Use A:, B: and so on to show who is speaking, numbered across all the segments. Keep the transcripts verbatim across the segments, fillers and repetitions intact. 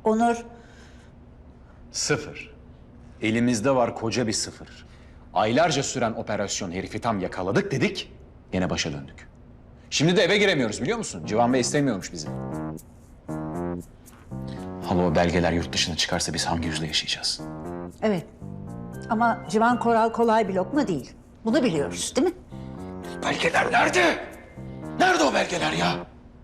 A: Onur,
B: Sıfır. Elimizde var koca bir sıfır. Aylarca süren operasyon herifi tam yakaladık dedik, yine başa döndük. Şimdi de eve giremiyoruz biliyor musun? Civan Bey istemiyormuş bizi. Hala o belgeler yurt dışına çıkarsa biz hangi yüzle yaşayacağız?
A: evet. Ama Civan Koral kolay bir lokma değil. Bunu biliyoruz, değil mi?
B: Belgeler nerede? Nerede o belgeler ya?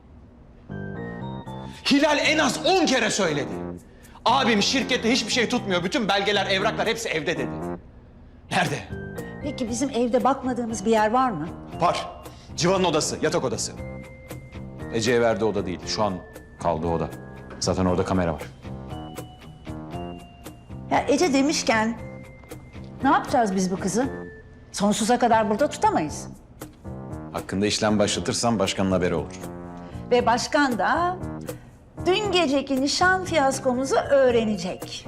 B: Hilal en az on kere söyledi. Abim şirkette hiçbir şey tutmuyor. Bütün belgeler, evraklar hepsi evde dedi. Nerede?
A: Peki bizim evde bakmadığımız bir yer var mı?
B: Var. Civan'ın odası, yatak odası. Ece'ye verdiği oda değil. Şu an kaldığı oda. Zaten orada kamera var.
A: Ya Ece demişken ne yapacağız biz bu kızı? Sonsuza kadar burada tutamayız.
B: Hakkında işlem başlatırsam başkanın haberi olur.
A: Ve başkan da dün geceki nişan fiyaskomuzu öğrenecek.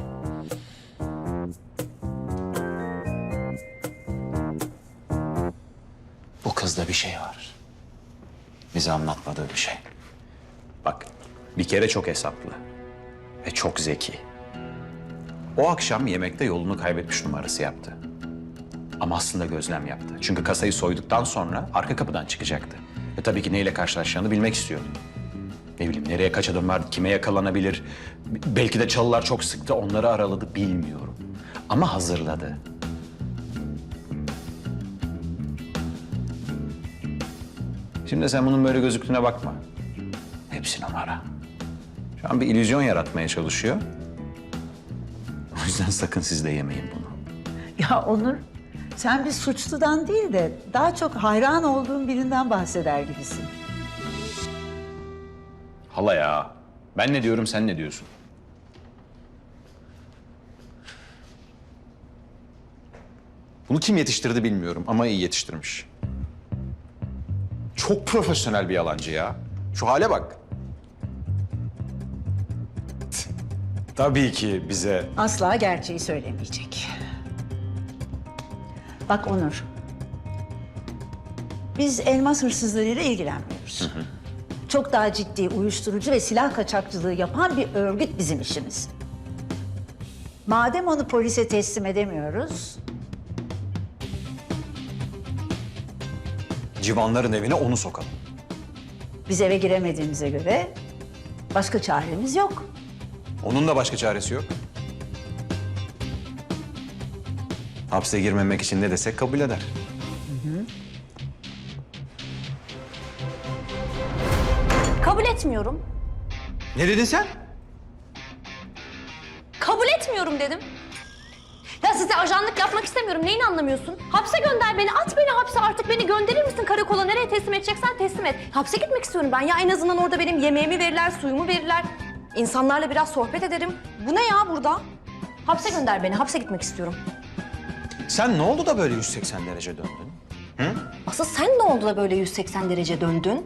B: Bu kızda bir şey var. Bize anlatmadığı bir şey. Bak, bir kere çok hesaplı ve çok zeki. O akşam yemekte yolunu kaybetmiş numarası yaptı. Ama aslında gözlem yaptı. Çünkü kasayı soyduktan sonra arka kapıdan çıkacaktı. Ve tabii ki neyle karşılaşacağını bilmek istiyordu. Ne bileyim, nereye kaç adım var, kime yakalanabilir. Belki de çalılar çok sıktı, onları araladı, bilmiyorum. Ama hazırladı. Şimdi sen bunun böyle gözüktüğüne bakma. Hepsi numara. Şu an bir illüzyon yaratmaya çalışıyor. O yüzden sakın siz de yemeyin bunu.
A: Ya Onur, sen bir suçludan değil de daha çok hayran olduğun birinden bahseder gibisin.
B: Hala ya. Ben ne diyorum, sen ne diyorsun? Bunu kim yetiştirdi bilmiyorum ama iyi yetiştirmiş. Çok profesyonel bir yalancı ya. Şu hale bak. Tabii ki bize...
A: Asla gerçeği söylemeyecek. Bak Onur, biz elmas hırsızlarıyla ilgilenmiyoruz. Hı hı. Çok daha ciddi uyuşturucu ve silah kaçakçılığı yapan bir örgüt bizim işimiz. Madem onu polise teslim edemiyoruz,
B: Civanların evine onu sokalım.
A: biz eve giremediğimize göre başka çaremiz yok.
B: Onun da başka çaresi yok. Hapse girmemek için ne desek kabul eder.
C: Kabul etmiyorum.
B: Ne dedin sen?
C: Kabul etmiyorum dedim. Ya size ajanlık yapmak istemiyorum. Neyini anlamıyorsun? Hapse gönder beni. At beni hapse artık. Beni gönderir misin karakola? Nereye teslim edeceksen teslim et. Hapse gitmek istiyorum ben. Ya en azından orada benim yemeğimi verirler, suyumu verirler. İnsanlarla biraz sohbet ederim. Bu ne ya burada? Hapse gönder beni. Hapse gitmek istiyorum.
B: Sen ne oldu da böyle yüz seksen derece döndün?
C: Asıl sen ne oldu da böyle yüz seksen derece döndün?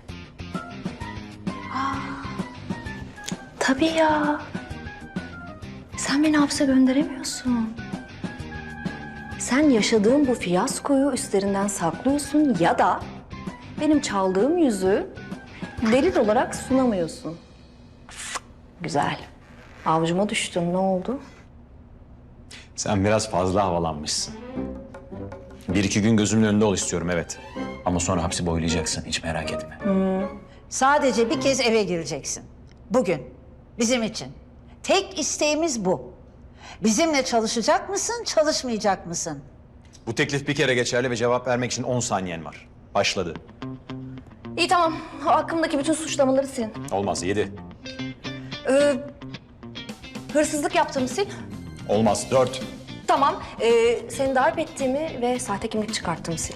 C: Aa, tabii ya. Sen beni hapse gönderemiyorsun. Sen yaşadığın bu fiyaskoyu üstlerinden saklıyorsun ya da benim çaldığım yüzü delil olarak sunamıyorsun. Güzel. Avucuma düştün. Ne oldu?
B: Sen biraz fazla havalanmışsın. Bir iki gün gözümün önünde ol istiyorum, evet. Ama sonra hapsi boylayacaksın, hiç merak etme.
A: Sadece bir kez eve gireceksin. Bugün, bizim için. Tek isteğimiz bu. Bizimle çalışacak mısın, çalışmayacak mısın?
B: Bu teklif bir kere geçerli ve cevap vermek için on saniyen var. Başladı.
C: İyi tamam. Hakkımdaki bütün suçlamaları sil.
B: Olmaz, yedi.
C: Ee, hırsızlık yaptığımı sil.
B: Olmaz, dört.
C: Tamam. Ee, seni darp ettiğimi ve sahte kimlik çıkarttığımı sil.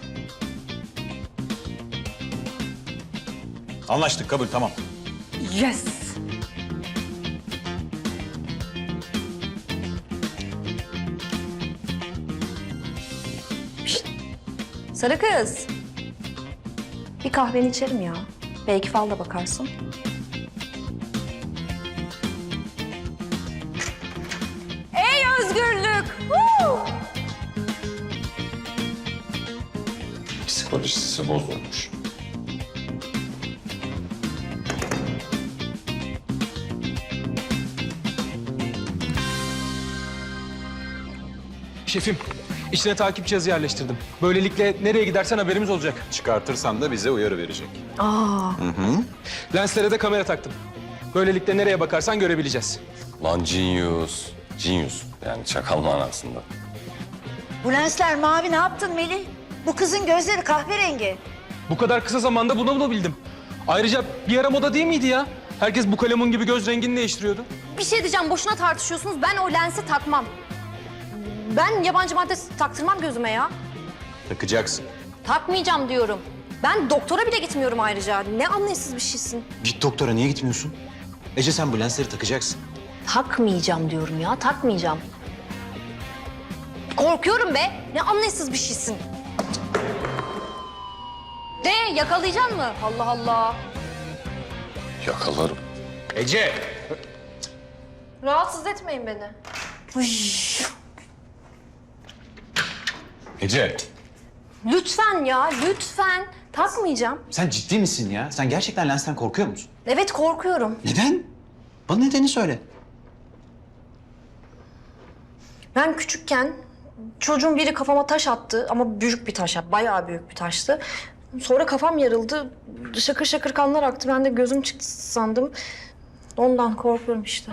B: Anlaştık, kabul, tamam.
C: Yes. Şişt. Sarı kız. Bir kahveni içerim ya. Belki fal da bakarsın. Ey özgürlük! Woo!
D: Psikolojisi bozulmuş. Şefim, içine takip cihazı yerleştirdim. Böylelikle nereye gidersen haberimiz olacak.
B: Çıkartırsan da bize uyarı verecek.
D: Lenslere de kamera taktım. Böylelikle nereye bakarsan görebileceğiz.
E: Lan genius. Genius. Yani çakal manasında.
A: Bu lensler mavi, ne yaptın Melih? Bu kızın gözleri kahverengi.
D: Bu kadar kısa zamanda bunu bulabildim. Ayrıca bir ara moda değil miydi ya? Herkes bu kalemun gibi göz rengini değiştiriyordu.
C: Bir şey diyeceğim, boşuna tartışıyorsunuz. Ben o lensi takmam. Ben yabancı madde taktırmam gözüme ya.
B: Takacaksın.
C: Takmayacağım diyorum. Ben doktora bile gitmiyorum ayrıca. Ne anlayışsız bir şeysin.
B: Git doktora, niye gitmiyorsun? Ece sen bu lensleri takacaksın.
C: Takmayacağım diyorum ya, takmayacağım. Korkuyorum be. Ne anlayışsız bir şeysin. De yakalayacaksın mı? Allah Allah.
E: Yakalarım.
B: Ece!
C: Rahatsız etmeyin beni.
B: Ece!
C: Lütfen ya, lütfen. Takmayacağım.
B: Sen ciddi misin ya? Sen gerçekten lensten korkuyor musun?
C: Evet, korkuyorum.
B: Neden? Bana nedeni söyle.
C: Ben küçükken çocuğun biri kafama taş attı ama büyük bir taş, bayağı büyük bir taştı. Sonra kafam yarıldı, şakır şakır kanlar aktı. Ben de gözüm çıktı sandım. Ondan korkuyorum işte.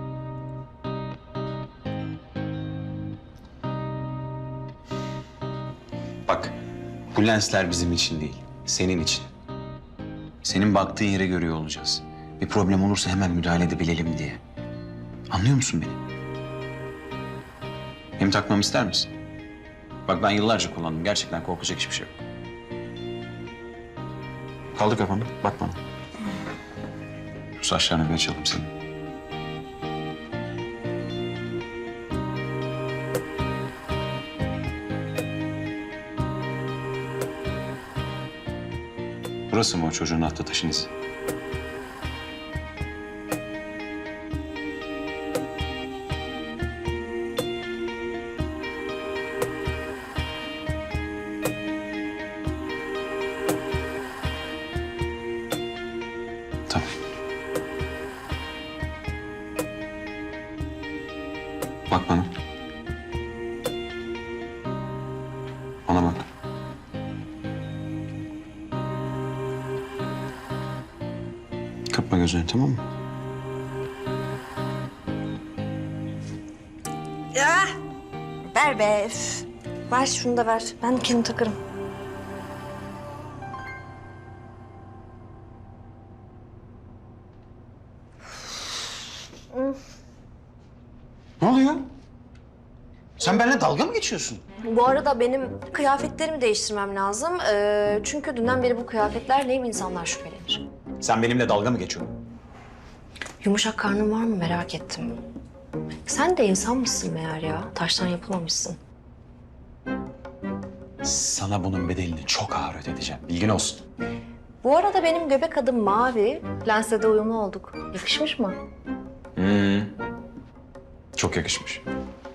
B: Bak, bu lensler bizim için değil, senin için. Senin baktığın yere görüyor olacağız. Bir problem olursa hemen müdahale edebilelim diye. Anlıyor musun beni? Hem takmamı ister misin? Bak ben yıllarca kullandım. Gerçekten korkacak hiçbir şey yok. Kaldır kafanı, bak bana. Şu saçlarını bir açalım senin. Burası mı o çocuğun attığı taşın izi? Tamam. Bak bana. Bana bak. Kapma gözünü, tamam mı?
C: Ya ver be. Üf. Ver şunu da ver. Ben kendim takarım.
B: Ne oluyor? Sen benimle dalga mı geçiyorsun?
C: Bu arada benim kıyafetlerimi değiştirmem lazım. Ee, çünkü dünden beri bu kıyafetlerleyim, insanlar şüphelenir.
B: Sen benimle dalga mı geçiyorsun?
C: Yumuşak karnın var mı merak ettim. Sen de insan mısın meğer ya? Taştan yapılmamışsın.
B: Sana bunun bedelini çok ağır ödeteceğim. Bilgin olsun.
C: Bu arada benim göbek adım mavi. Lensle de uyumlu olduk. Yakışmış mı?
B: Hmm. Çok yakışmış.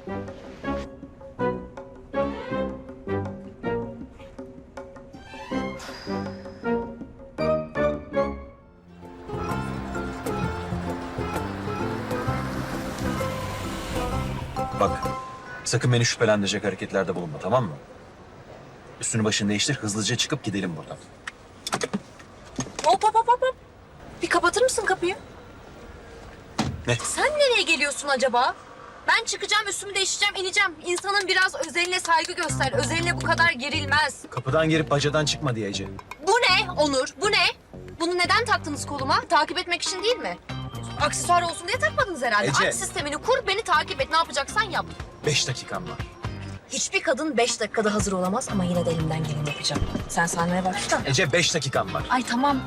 B: Bak, sakın beni şüphelendirecek hareketlerde bulunma, tamam mı? Üstünü başını değiştir, hızlıca çıkıp gidelim buradan.
C: Hop hop hop hop. Bir kapatır mısın kapıyı?
B: Ne?
C: Sen nereye geliyorsun acaba? Ben çıkacağım, üstümü değiştireceğim, ineceğim. İnsanın biraz özeline saygı göster. Özeline bu kadar gerilmez.
B: Kapıdan girip bacadan çıkma diyeceğim.
C: Bu ne Onur? Bu ne? Bunu neden taktınız koluma? Takip etmek için değil mi? Aksesuar olsun diye takmadınız herhalde.
B: Ece.
C: Aç sistemini kur, beni takip et. Ne yapacaksan yap.
B: Beş dakikam var.
C: Hiçbir kadın beş dakikada hazır olamaz ama yine de elimden geleni yapacağım. Sen saymaya başla.
B: Ece, beş dakikam var.
C: Ay tamam.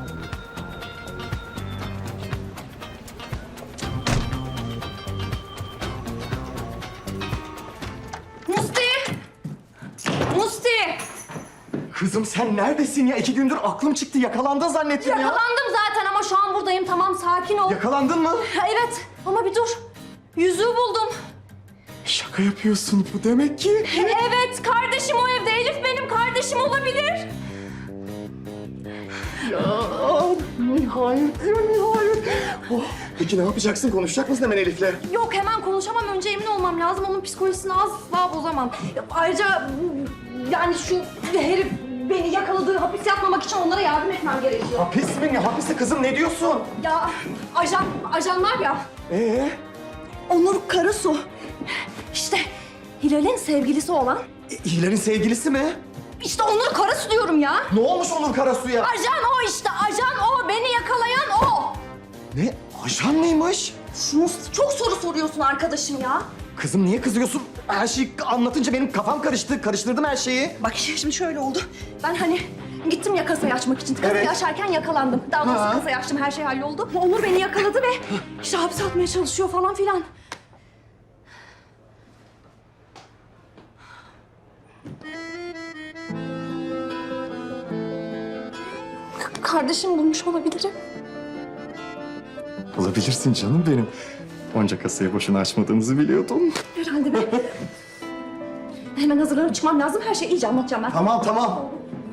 C: Musti! Musti!
F: Kızım sen neredesin ya? İki gündür aklım çıktı. Yakalandın zannettim ya.
C: Yakalandım zaten ama şu an buradayım. Tamam, sakin ol.
F: Yakalandın mı?
C: Evet ama bir dur. Yüzüğü buldum.
F: Şaka yapıyorsun bu demek ki.
C: Evet, kardeşim o evde. Elif benim kardeşim olabilir.
F: Ya nihayet ya nihayet. Oh, Peki ne yapacaksın? Konuşacak mısın hemen Elif'le?
C: Yok hemen konuşamam. Önce emin olmam lazım. Onun psikolojisini asla bozamam. Ayrıca yani şu herif beni yakaladığı hapis yatmamak için onlara yardım etmem gerekiyor.
F: Hapis mi? Ne hapisi kızım? Ne diyorsun?
C: Ya ajan, ajan var ya.
F: Ee?
C: Onur Karasu. İşte Hilal'in sevgilisi olan.
F: E, Hilal'in sevgilisi mi?
C: İşte Onur Karasu diyorum ya.
F: Ne olmuş Onur Karasu'ya?
C: Ajan o işte. Ajan o. Beni yakalayan o.
F: Ne? Ajan mıymış?
C: Şunu çok soru soruyorsun arkadaşım ya.
F: Kızım niye kızıyorsun? Her şeyi anlatınca benim kafam karıştı. Karıştırdım her şeyi.
C: Bak şimdi şöyle oldu. Ben hani gittim ya kasayı açmak için. Kasayı
F: Evet.
C: açarken yakalandım. Daha doğrusu
F: Ha.
C: kasayı açtım. Her şey halloldu. Onur beni yakaladı ve işte hapse atmaya çalışıyor falan filan. K- Kardeşim bulmuş olabilirim.
F: Olabilirsin canım benim. Onca kasayı boşuna açmadığınızı biliyordum.
C: Herhalde ben... Hemen hazırlanıp çıkmam lazım. Her şeyi iyice anlatacağım ben.
F: Tamam tamam.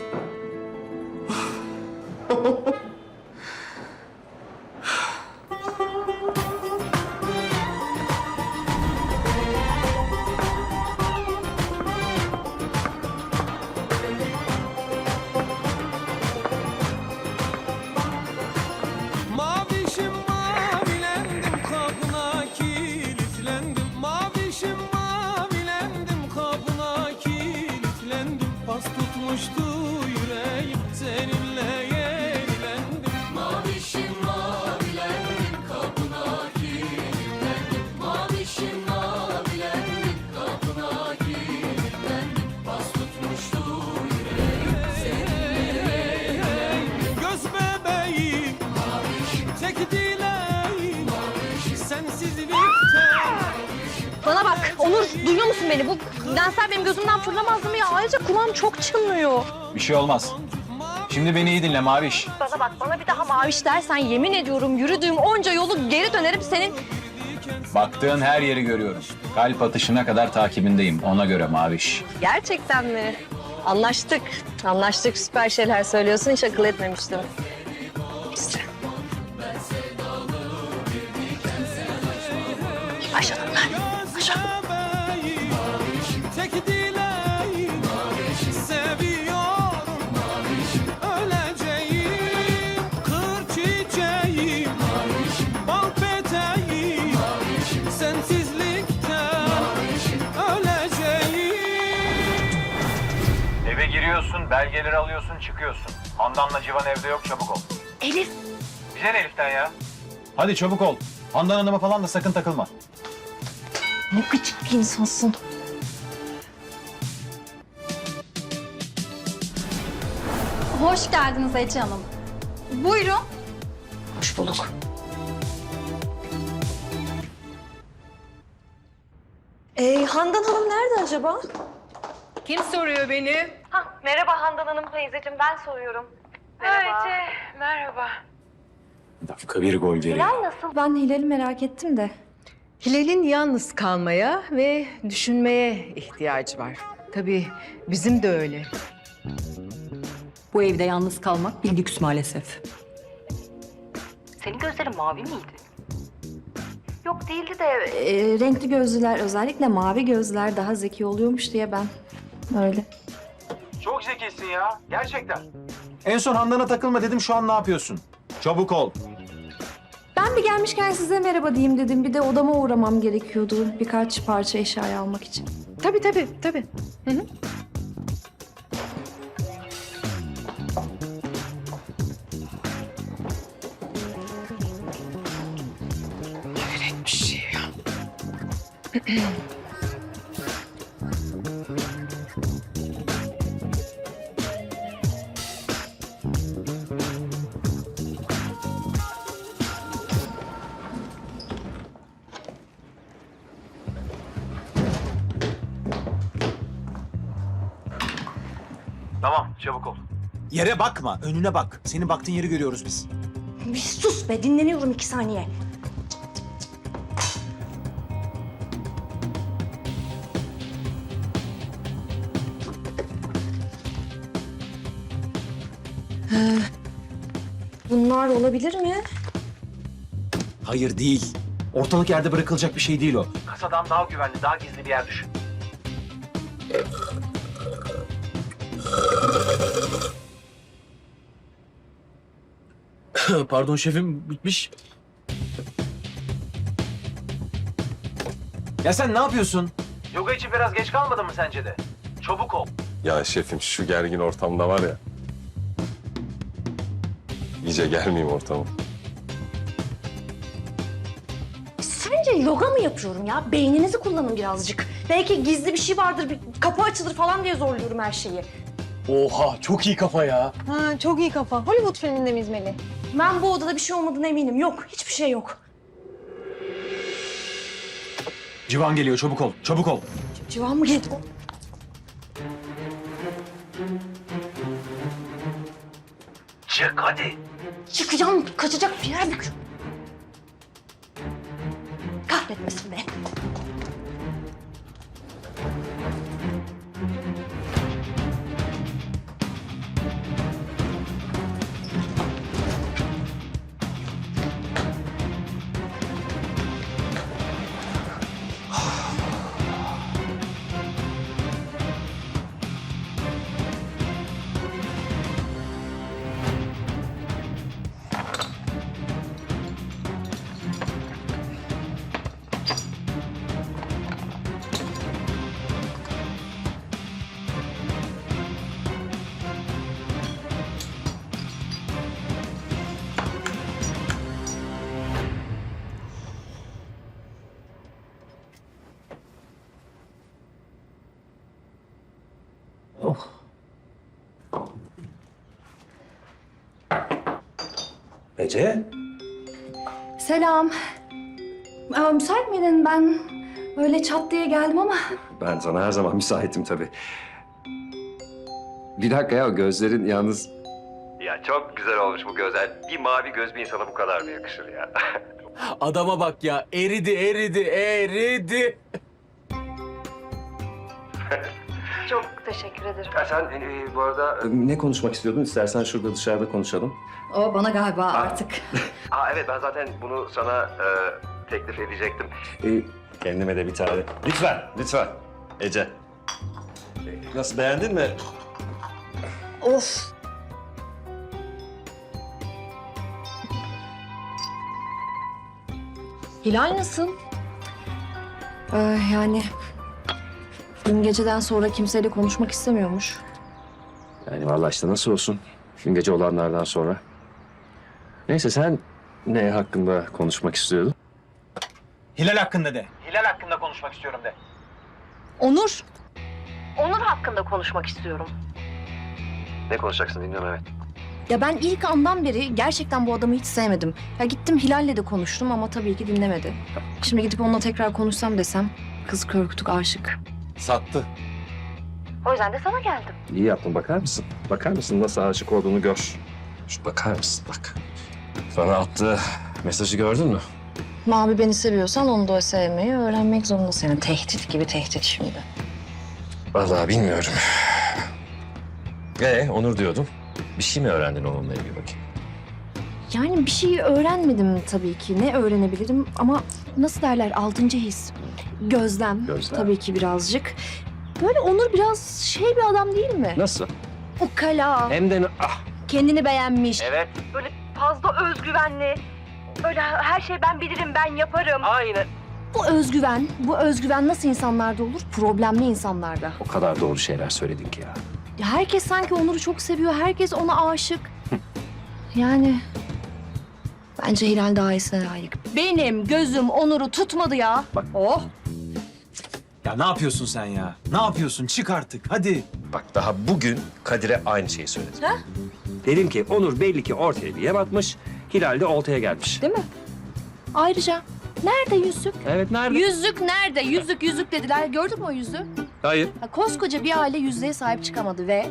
G: Mavişim mavilendim kapına kilitlendim. Mavişim mavilendim kapına kilitlendim. Pas tutmuştu yüreğim seninle yenilendim. Mavişim mavilendim kapına kilitlendim. Mavişim mavilendim kapına kilitlendim. Pas tutmuştu yüreğim seninle yenilendim. Göz bebeğim tek dileğim sensizlikten.
C: Bana bak Onur, duyuyor musun beni? Bu lensler benim gözümden fırlamazdı mı ya? Ayrıca kulağım çok çınlıyor.
B: Bir şey olmaz. Şimdi beni iyi dinle Maviş.
C: Bana bak, bana bir daha maviş dersen yemin ediyorum yürüdüğüm onca yolu geri dönerim senin.
B: Baktığın her yeri görüyorum. Kalp atışına kadar takibindeyim. Ona göre Maviş.
H: Gerçekten mi? Anlaştık. Anlaştık. Süper şeyler söylüyorsun. Hiç akıl etmemiştim.
C: Başladım ben.
G: Göz bebeğim tek dileğim seviyorum öleceğim kır çiçeğim bal peteğim sensizlikten öleceğim.
I: Eve giriyorsun, belgeleri alıyorsun, çıkıyorsun. Handan'la Civan evde yok, çabuk ol.
C: Elif.
I: Bize ne Elif'ten ya?
B: Hadi çabuk ol. Handan Hanım'a falan da sakın takılma.
C: Ne gıcık bir insansın.
J: Hoş geldiniz Ece Hanım. Buyurun.
C: Hoş bulduk.
H: Ee, Handan Hanım nerede acaba?
K: Kim soruyor beni?
H: Merhaba Handan Hanım teyzeciğim. Ben soruyorum. Merhaba.
K: Merhaba.
B: Dakika bir gol veriyor.
C: Ben Hilal'i merak ettim de.
K: Hilal'in yalnız kalmaya ve düşünmeye ihtiyacı var. Tabii bizim de öyle.
J: Bu evde yalnız kalmak bir lüks maalesef.
H: Senin gözlerin mavi miydi? Yok değildi de...
C: Ee, renkli gözlüler, özellikle mavi gözlüler daha zeki oluyormuş diye ben öyle.
I: Çok zekisin ya, gerçekten.
B: En son Handan'a takılma dedim, şu an ne yapıyorsun? Çabuk ol.
C: Ben bir gelmişken size merhaba diyeyim dedim. Bir de odama uğramam gerekiyordu birkaç parça eşyayı almak için.
K: Tabii tabii tabii. Hı hı. Hayret bir şey ya.
I: Tamam, çabuk ol.
L: Yere bakma, önüne bak. Senin baktığın yeri görüyoruz biz.
C: Bir sus be, dinleniyorum iki saniye. Bunlar olabilir mi?
L: Hayır değil. Ortalık yerde bırakılacak bir şey değil o.
I: Kasadan daha güvenli, daha gizli bir yer düşün.
L: Pardon şefim, bitmiş. Ya sen ne yapıyorsun?
I: Yoga için biraz geç kalmadın mı sence de? Çabuk ol.
E: Ya şefim şu gergin ortamda var ya. İyice gelmeyeyim ortama.
C: Sence yoga mı yapıyorum ya? Beyninizi kullanın birazcık. Belki gizli bir şey vardır, bir kapı açılır falan diye zorluyorum her şeyi.
L: Oha, çok iyi kafa ya.
H: Ha, çok iyi kafa. Hollywood filminde mi izmeli?
C: Ben bu odada bir şey olmadığına eminim. Yok, hiçbir şey yok.
L: Civan geliyor, çabuk ol, çabuk ol.
C: Civan mı geldi?
I: Çık hadi.
C: Çıkacağım, kaçacak bir yer yok. Kahretmesin be.
L: Ece?
C: Selam. Aa, müsait miydin? Ben böyle çat diye geldim ama...
E: Ben sana her zaman müsaitim tabii. Bir dakika ya, gözlerin yalnız...
I: Ya çok güzel olmuş bu gözler. Bir mavi göz bir insana bu kadar mı yakışır ya?
L: Adama bak ya, eridi, eridi, eridi.
C: Çok teşekkür ederim.
E: Ya sen e, bu arada... Ne konuşmak istiyordun? İstersen şurada dışarıda konuşalım.
J: O bana galiba artık.
E: Aa evet, ben zaten bunu sana e, teklif edecektim. E, kendime de bir tane. Lütfen, lütfen. Ece. E, Nasıl, beğendin mi?
C: Of. Hilal nasıl? Ee, yani dün geceden sonra kimseyle konuşmak istemiyormuş.
E: Yani vallahi işte nasıl olsun. Dün gece olanlardan sonra. Neyse, sen ne hakkında konuşmak istiyordun?
L: Hilal hakkında de.
I: Hilal hakkında konuşmak istiyorum de.
C: Onur. Onur hakkında konuşmak istiyorum.
E: Ne konuşacaksın, dinliyorum, evet.
C: Ya ben ilk andan beri gerçekten bu adamı hiç sevmedim. Ya gittim Hilal'le de konuştum ama tabii ki dinlemedi. Şimdi gidip onunla tekrar konuşsam desem kız kör kütük aşık.
L: Sattı.
C: O yüzden de sana geldim.
E: İyi yaptın, bakar mısın? Bakar mısın nasıl aşık olduğunu gör. Şu bakar mısın, bak. Sana attığı mesajı gördün mü?
C: Mavi beni seviyorsan onu da sevmeyi öğrenmek zorundasın. Yani tehdit gibi tehdit şimdi.
E: Vallahi bilmiyorum. Ee, Onur diyordum. Bir şey mi öğrendin onunla ilgili bakayım?
C: Yani bir şey öğrenmedim tabii ki. Ne öğrenebilirim ama nasıl derler altıncı his. Gözlem,
E: Gözlem.
C: tabii ki birazcık. Böyle Onur biraz şey bir adam değil mi?
E: Nasıl?
C: Ukala,
E: Hem de ah.
C: kendini beğenmiş.
I: Evet.
C: Böyle fazla özgüvenli. Böyle her şey ben bilirim, ben yaparım.
I: Aynen.
C: Bu özgüven, bu özgüven nasıl insanlarda olur? Problemli insanlarda.
E: O kadar doğru şeyler söyledin ki ya.
C: Ya herkes sanki Onur'u çok seviyor, herkes ona aşık. Yani bence Hilal daha iyisine layık. Benim gözüm Onur'u tutmadı ya.
E: Bak.
C: Oh.
L: Ya ne yapıyorsun sen ya? Ne yapıyorsun? Çık artık, hadi.
E: Bak, daha bugün Kadir'e aynı şeyi söyledim.
C: Ha?
E: Dedim ki Onur belli ki ortaya bir yem atmış, Hilal de oltaya gelmiş.
C: Değil mi? Ayrıca nerede yüzük?
E: Evet, nerede?
C: Yüzük nerede? Yüzük yüzük dediler. Gördün mü o yüzüğü?
E: Hayır.
C: Ha, koskoca bir aile yüzüğe sahip çıkamadı ve...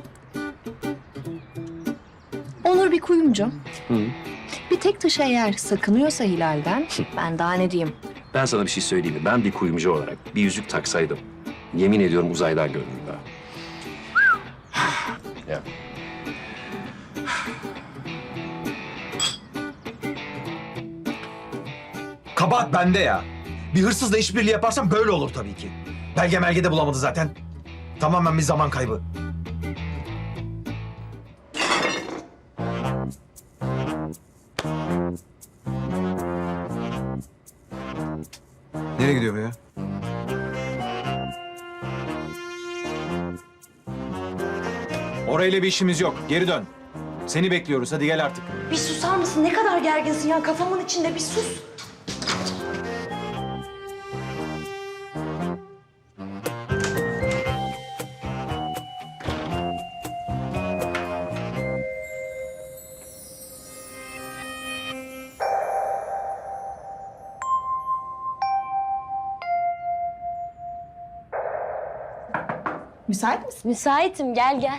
C: Onur bir kuyumcu.
E: Hı.
C: Bir tek taşı eğer sakınıyorsa Hilal'den, ben daha ne diyeyim?
E: Ben sana bir şey söyleyeyim mi? Ben bir kuyumcu olarak bir yüzük taksaydım, yemin ediyorum uzaydan görünürdü ha. Ya.
L: kabahat bende ya. Bir hırsızla işbirliği yaparsam böyle olur tabii ki. Belge melge de bulamadı zaten. Tamamen bir zaman kaybı. Nereye gidiyor bu ya? Orayla bir işimiz yok. Geri dön. Seni bekliyoruz. Hadi gel artık.
C: Bir susar mısın? Ne kadar gerginsin ya. Kafamın içinde bir sus.
K: Müsait misin?
C: Müsaitim, gel gel.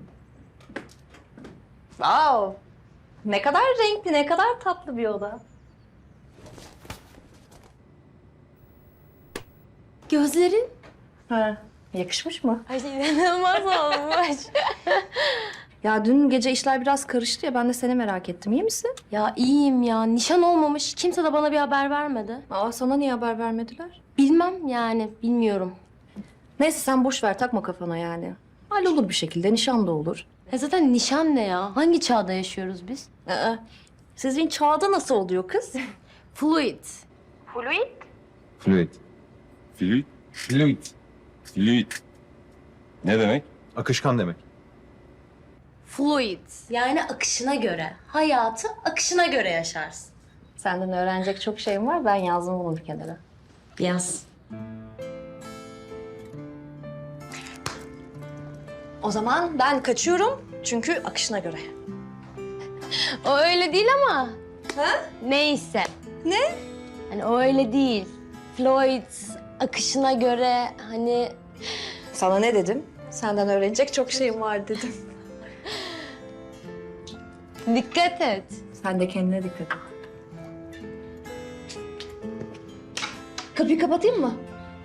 C: Wow. Ne kadar renkli, ne kadar tatlı bir oda. Gözlerin?
K: Ha, yakışmış mı?
C: Ay inanılmaz olmuş.
K: Ya dün gece işler biraz karıştı ya ben de seni merak ettim. İyi misin?
C: Ya iyiyim ya. Nişan olmamış. Kimse de bana bir haber vermedi.
K: Aa sana niye haber vermediler?
C: Bilmem yani, bilmiyorum.
K: Neyse sen boş ver takma kafana yani. Hallolur bir şekilde nişan da olur.
C: Ya zaten nişan ne ya? Hangi çağda yaşıyoruz biz?
K: Aa, sizin çağda nasıl oluyor kız?
C: Fluid.
E: Fluid. Fluid. Fluid. Fluid. Ne demek?
L: Akışkan demek.
C: Fluid. Yani akışına göre. Hayatı akışına göre yaşarsın.
K: Senden öğrenecek çok şeyim var. Ben yazdım bunu bir kenara.
C: Yaz. O zaman ben kaçıyorum çünkü akışına göre. O öyle değil ama. Ha? Neyse. Ne? Hani o öyle değil. Floyd akışına göre hani...
K: Sana ne dedim? Senden öğrenecek çok şeyim var dedim.
C: Dikkat et.
K: Sen de kendine dikkat et.
C: Kapıyı kapatayım mı?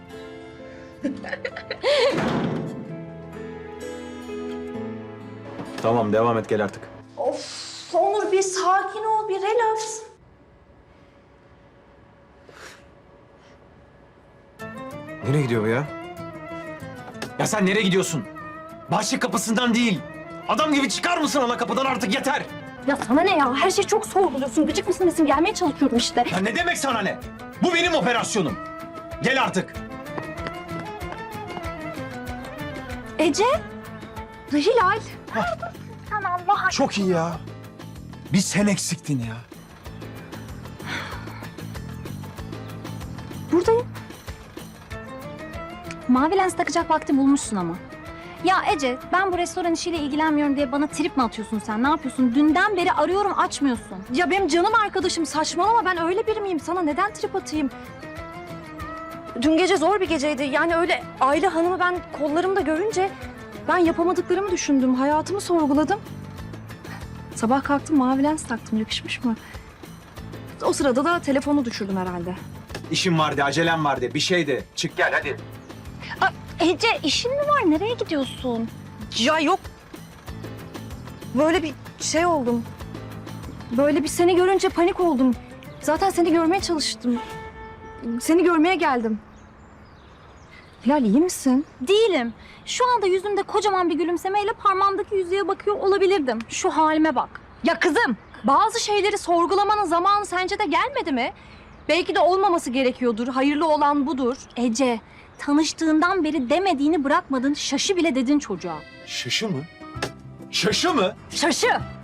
L: Tamam devam et gel artık.
C: Of Onur bir sakin ol, bir relax.
L: Nereye gidiyor bu ya? Ya sen nereye gidiyorsun? Bahçe kapısından değil. Adam gibi çıkar mısın ana kapıdan artık yeter.
C: Ya sana ne ya? Her şeyi çok sorguluyorsun. Gıcık mısın nesin? Gelmeye çalışıyorum işte.
L: Ya ne demek sana ne? Bu benim operasyonum. Gel artık.
C: Ece. Hilal.
L: Çok iyi ya. Bir sen eksiktin ya.
M: Buradayım. Mavi lens takacak vakti bulmuşsun ama. Ya Ece, ben bu restoran işiyle ilgilenmiyorum diye bana trip mi atıyorsun sen? Ne yapıyorsun? Dünden beri arıyorum, açmıyorsun.
C: Ya benim canım arkadaşım saçmalama. Ben öyle biri miyim? Sana neden trip atayım? Dün gece zor bir geceydi. Yani öyle aile hanımı ben kollarımda görünce ben yapamadıklarımı düşündüm. Hayatımı sorguladım. Sabah kalktım mavi lens taktım. Yakışmış mı? O sırada da telefonu düşürdüm herhalde.
L: İşim vardı, acelem vardı, bir şeydi. Çık gel hadi.
M: Ece, işin mi var? Nereye gidiyorsun?
C: Ya yok. Böyle bir şey oldum. Böyle bir seni görünce panik oldum. Zaten seni görmeye çalıştım. Seni görmeye geldim. Hilal iyi misin?
M: Değilim. Şu anda yüzümde kocaman bir gülümsemeyle parmağımdaki yüzüğe bakıyor olabilirdim. Şu halime bak.
C: Ya kızım, bazı şeyleri sorgulamanın zamanı sence de gelmedi mi? Belki de olmaması gerekiyordur. Hayırlı olan budur.
M: Ece, tanıştığından beri demediğini bırakmadın. Şaşı bile dedin çocuğa.
L: Şaşı mı? Şaşı mı?
C: Şaşı.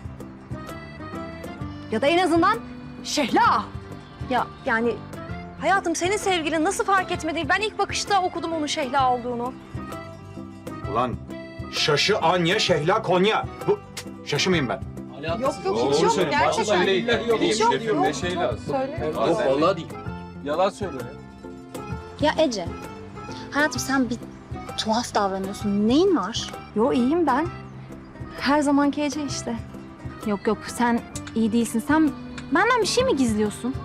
C: Ya da en azından Şehla. Ya yani hayatım senin sevgilin nasıl fark etmedi? Ben ilk bakışta okudum onun Şehla olduğunu.
L: Ulan şaşı Anya, Şehla, Konya. Bu şaşı mıyım ben?
K: Yok yok hiç yok gerçekten. Hiç yok yok.
G: Ne şey lazım?
K: Söyle.
G: Yok vallahi değil. Yalan söylüyor.
M: Ya Ece, hayatım sen bir tuhaf davranıyorsun. Neyin var?
C: Yo iyiyim ben. Her zamanki Ece işte.
M: Yok yok, sen iyi değilsin. Sen benden bir şey mi gizliyorsun?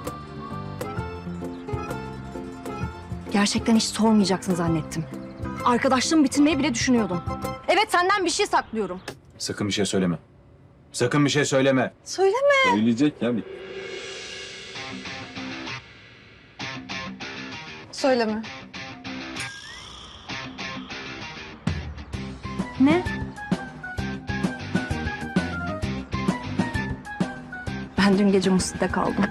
C: Gerçekten hiç sormayacaksın zannettim. Arkadaşlığımı bitirmeyi bile düşünüyordum. Evet senden bir şey saklıyorum.
L: Sakın bir şey söyleme. Sakın bir şey söyleme.
C: Söyleme.
E: Söyleyecek ya bir.
C: Söyleme. Ne? Ben dün gece Musti'de kaldım.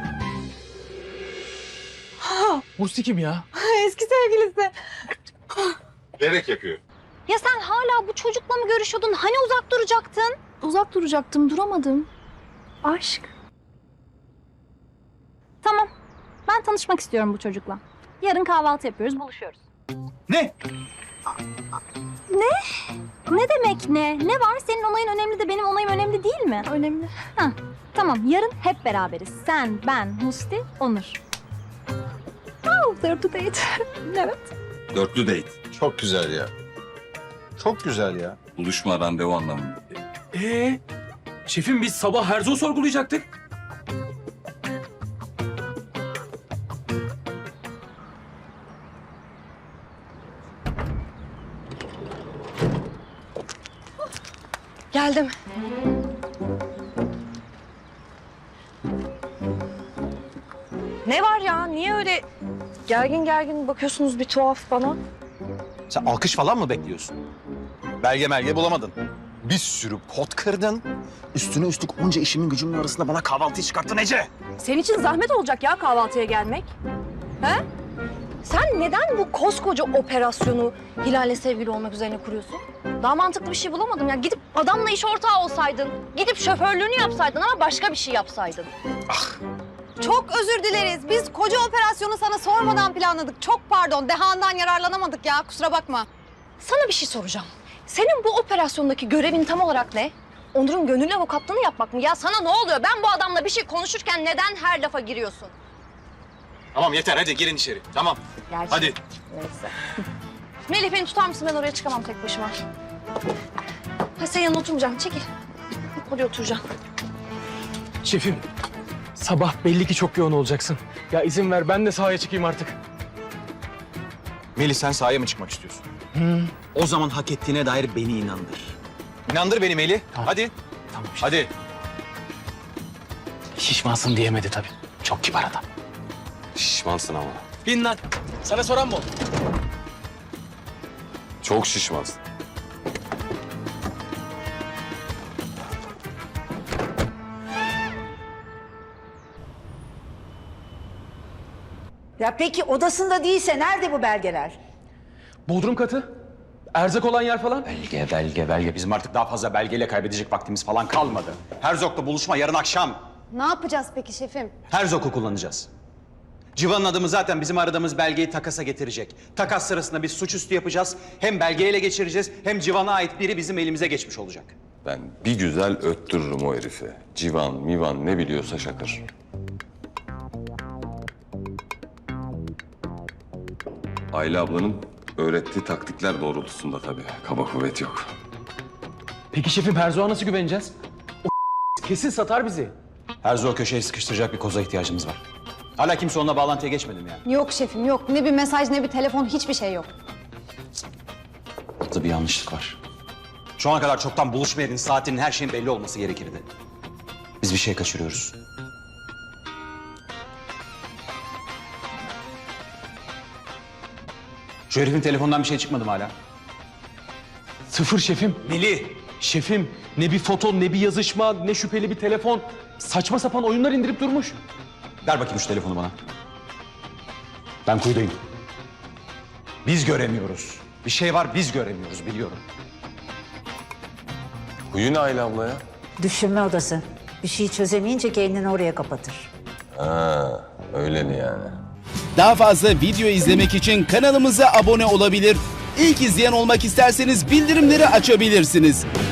D: Musti kim ya?
C: Eski sevgilisi.
E: Gerek yapıyor.
M: Ya sen hala bu çocukla mı görüşüyordun? Hani uzak duracaktın?
C: Uzak duracaktım, duramadım. Aşk.
M: Tamam. Ben tanışmak istiyorum bu çocukla. Yarın kahvaltı yapıyoruz, buluşuyoruz.
L: Ne?
M: Ne demek ne? Ne var? Senin onayın önemli de benim onayım önemli değil mi?
C: Önemli.
M: Ha, tamam. Yarın hep beraberiz. Sen, ben, Musti, Onur. Oh, they're to date. Evet.
E: Dörtlü date.
L: Çok güzel ya. Çok güzel ya.
E: Buluşma, randevu anlamında.
D: Ee, şefim biz sabah Herzog'u sorgulayacaktık.
H: Geldim. Ne var ya? Niye öyle gergin gergin bakıyorsunuz bir tuhaf bana?
B: Sen alkış falan mı bekliyorsun? Belge melge bulamadın. Bir sürü pot kırdın. Üstüne üstlük onca işimin gücümün arasında bana kahvaltıyı çıkarttın Ece.
C: Senin için zahmet olacak ya kahvaltıya gelmek. He? Sen neden bu koskoca operasyonu Hilal'le sevgili olmak üzerine kuruyorsun? Daha mantıklı bir şey bulamadım ya. Gidip adamla iş ortağı olsaydın. Gidip şoförlüğünü yapsaydın ama başka bir şey yapsaydın.
N: Çok özür dileriz. Biz koca operasyonu sana sormadan planladık. Çok pardon. Dehandan yararlanamadık ya. Kusura bakma.
C: Sana bir şey soracağım. Senin bu operasyondaki görevin tam olarak ne? Onur'un gönüllü avukatlığını yapmak mı? Ya sana ne oluyor? Ben bu adamla bir şey konuşurken neden her lafa giriyorsun?
L: Tamam yeter hadi girin içeri. Tamam.
C: Gerçi.
L: Hadi.
C: Neyse. Melih beni tutar mısın? Ben oraya çıkamam tek başıma. Ha sen yanına oturmayacağım. Çekil. Oraya oturacağım.
D: Şefim, sabah belli ki çok yoğun olacaksın. Ya izin ver ben de sahaya çıkayım artık.
B: Melih sen sahaya mı çıkmak istiyorsun? O zaman hak ettiğine dair beni inandır. İnandır beni Melih. Hadi.
D: Tamam işte.
B: Hadi.
D: Şişmansın diyemedi tabii. Çok kibar adam.
E: Şişmansın ama.
D: Bin lan. Sana soran mı oldu?
E: Çok şişmansın.
A: Ya peki odasında değilse nerede bu belgeler?
D: Bodrum katı. Erzak olan yer falan.
B: Belge, belge, belge. Bizim artık daha fazla belgeyle kaybedecek vaktimiz falan kalmadı. Herzog'la buluşma yarın akşam.
N: Ne yapacağız peki şefim?
B: Herzog'u kullanacağız. Civan'ın adımı zaten bizim aradığımız belgeyi takasa getirecek. Takas sırasında biz suçüstü yapacağız. Hem belgeyle geçireceğiz hem Civan'a ait biri bizim elimize geçmiş olacak.
E: Ben bir güzel öttürürüm o herifi. Civan, mivan ne biliyorsa şakır. Ayla ablanın öğrettiği taktikler doğrultusunda tabii. Kaba kuvvet yok.
D: Peki şefim Herzog'a nasıl güveneceğiz? O kesin satar bizi.
B: Herzog'u köşeye sıkıştıracak bir koza ihtiyacımız var. Hala kimse onunla bağlantıya geçmedi mi yani?
N: Yok şefim yok. Ne bir mesaj ne bir telefon hiçbir şey yok.
B: Burada bir yanlışlık var. Şu ana kadar çoktan buluşma yerinin, saatinin, her şeyin belli olması gerekirdi. Biz bir şey kaçırıyoruz. Şu herifin telefonundan bir şey çıkmadı mı hala?
D: Sıfır şefim.
B: Melih!
D: Şefim ne bir foto ne bir yazışma ne şüpheli bir telefon. Saçma sapan oyunlar indirip durmuş.
B: Ver bakayım şu telefonu bana. Ben kuyudayım. Biz göremiyoruz. Bir şey var biz göremiyoruz biliyorum.
E: Huyu ne Ayla abla ya?
A: Düşünme odası. Bir şey çözemeyince kendini oraya kapatır.
E: Ha, öyle mi yani?
O: Daha fazla video izlemek için kanalımıza abone olabilir. İlk izleyen olmak isterseniz bildirimleri açabilirsiniz.